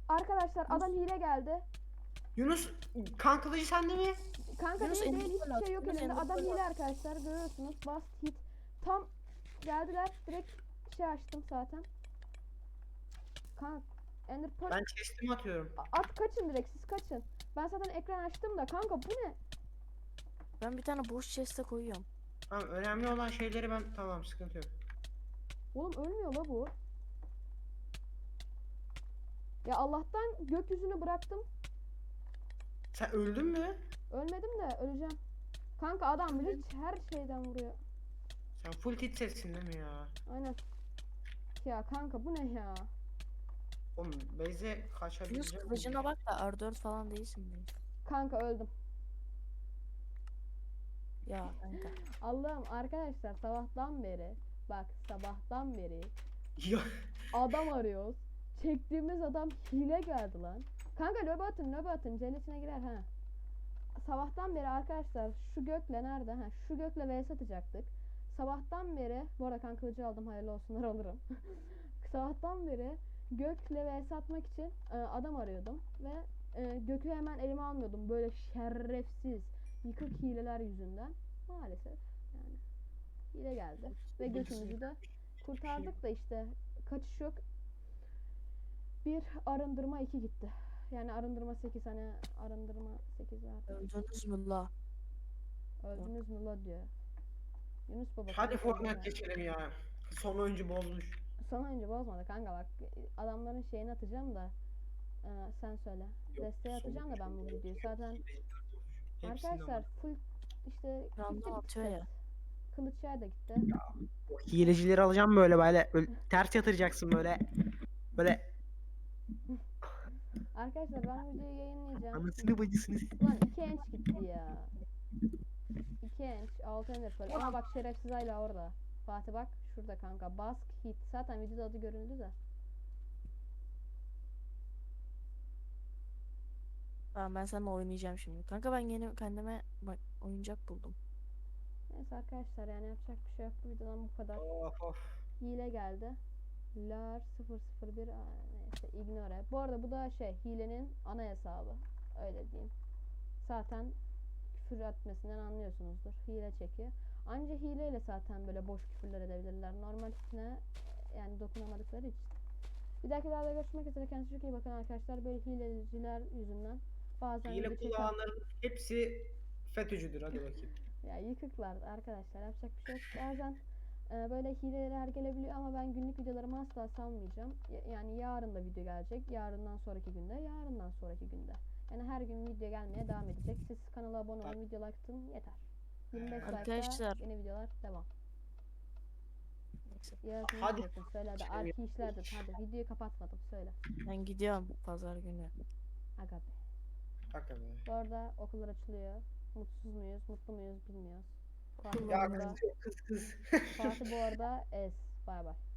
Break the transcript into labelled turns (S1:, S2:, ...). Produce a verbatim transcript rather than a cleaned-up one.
S1: Arkadaşlar adam hile geldi.
S2: Yunus kan kılıcı sende mi?
S1: Kanka
S3: Yunus,
S1: değil değil
S3: elinde
S1: hiçbir
S3: bırak,
S1: şey yok
S3: Yunus,
S1: elimde.
S3: elinde
S1: Adam
S3: bırak.
S1: hile arkadaşlar görüyorsunuz. Bast hit. Tam geldiler direkt şey açtım zaten. Kanka Ender Pearl
S2: Ben chest'imi atıyorum.
S1: at kaçın direkt siz kaçın. Ben zaten ekran açtım da kanka bu ne?
S3: Ben bir tane boş chest'e koyuyorum.
S2: Tamam önemli olan şeyleri ben tamam sıkıntı yok.
S1: Oğlum ölmüyor la bu. Ya Allah'tan gökyüzünü bıraktım.
S2: Sen öldün mü?
S1: Ölmedim de öleceğim. Kanka adam bile her şeyden vuruyor.
S2: Sen full tit sessin değil mi ya?
S1: Aynen. Ya kanka bu ne ya?
S2: Oğlum Beyze
S3: Yunus,
S2: kaçabilecek miyim?
S3: kılıcına bak da R dört falan değilsin be.
S1: Kanka öldüm.
S3: Ya kanka.
S1: Allah'ım arkadaşlar sabahtan beri bak sabahtan beri
S2: Ya
S1: adam arıyoruz. Çektiğimiz adam hile geldi lan. Kanka lobi atın lobi atın cennetine girer ha. Sabahtan beri arkadaşlar şu gökle nerede ha şu gökle vs atacaktık. Sabahtan beri bu arada kan kılıcı aldım hayırlı olsunlar alırım. Sabahtan beri gökle vs atmak için e, adam arıyordum ve e, gökü hemen elime almıyordum böyle şerefsiz yıkık hileler yüzünden maalesef yani hile geldi ve gökümüzü de kurtardık da işte kaçış yok. Bir arındırma iki gitti. Yani arındırma sekiz hani arındırma sekiz var.
S3: Öldünüz mü la?
S1: Öldünüz mü la diyor. Yunus baba.
S2: hadi
S1: kanka
S2: Fortnite
S1: deme.
S2: geçelim ya. Son oyuncu bozmuş.
S1: Son oyuncu bozmadı kanka bak adamların şeyini atacağım da e, sen söyle. Desteğe atacağım da ben bu videoyu zaten arkadaşlar full işte
S3: Random
S1: gitti
S3: atıyor
S1: set.
S3: ya.
S1: Kılıç yay da gitti.
S2: O hilecileri alacağım böyle böyle, böyle ters yatıracaksın böyle. Böyle
S1: Arkadaşlar ben bu videoyu yayınlayacağım.
S2: anasını bacısını.
S1: Ulan iki enç gitti ya. iki enç altı ender pearl ama bak şerefsiz hala orada. Fatih bak şurada kanka bask hit zaten videoda adı görüldü de.
S3: Tamam, ben seninle oynayacağım şimdi. Kanka ben yeni kendime bak oyuncak buldum.
S1: Neyse arkadaşlar yani yapacak bir şey yok bu videodan bu kadar.
S2: Of of.
S1: Hile geldi. Lar sıfır sıfır bir aa, neyse ignore. Bu arada bu da şey hilenin ana hesabı. Öyle diyeyim. Zaten küfür etmesinden anlıyorsunuzdur. Hile çekiyor. Anca hileyle zaten böyle boş küfürler edebilirler. Normaline yani dokunamadıkları için. Bir dahaki videoda görüşmek üzere. Kendinize çok iyi bakın arkadaşlar. Böyle hileciler yüzünden bazen
S2: Hile
S1: video çeken-
S2: kullananların hepsi FETÖ'cüdür hadi bakayım.
S1: ya yıkıklar arkadaşlar yapacak bir şey yok. Bazen e, böyle hileler gelebiliyor ama ben günlük videolarımı asla salmayacağım. Y- yani yarın da video gelecek. Yarından sonraki günde, yarından sonraki günde. Yani her gün video gelmeye devam edecek. Siz kanala abone olun, video like atın yeter. yirmi beş
S3: Arkadaşlar.
S1: like'da yeni videolar devam.
S3: Neyse.
S1: Yaratın
S2: Hadi.
S1: yapın. Söyle hadi. Arki işlerdir. Hadi videoyu kapatmadım. Söyle.
S3: Ben gidiyorum pazar günü.
S1: Aga be.
S2: Hakikaten.
S1: Bu arada okullar açılıyor. Mutsuz muyuz, mutlu muyuz bilmiyoruz. Fatih bu
S2: Ya
S1: arada,
S2: kız kız kız.
S1: Fatih bu arada es. Bay bay.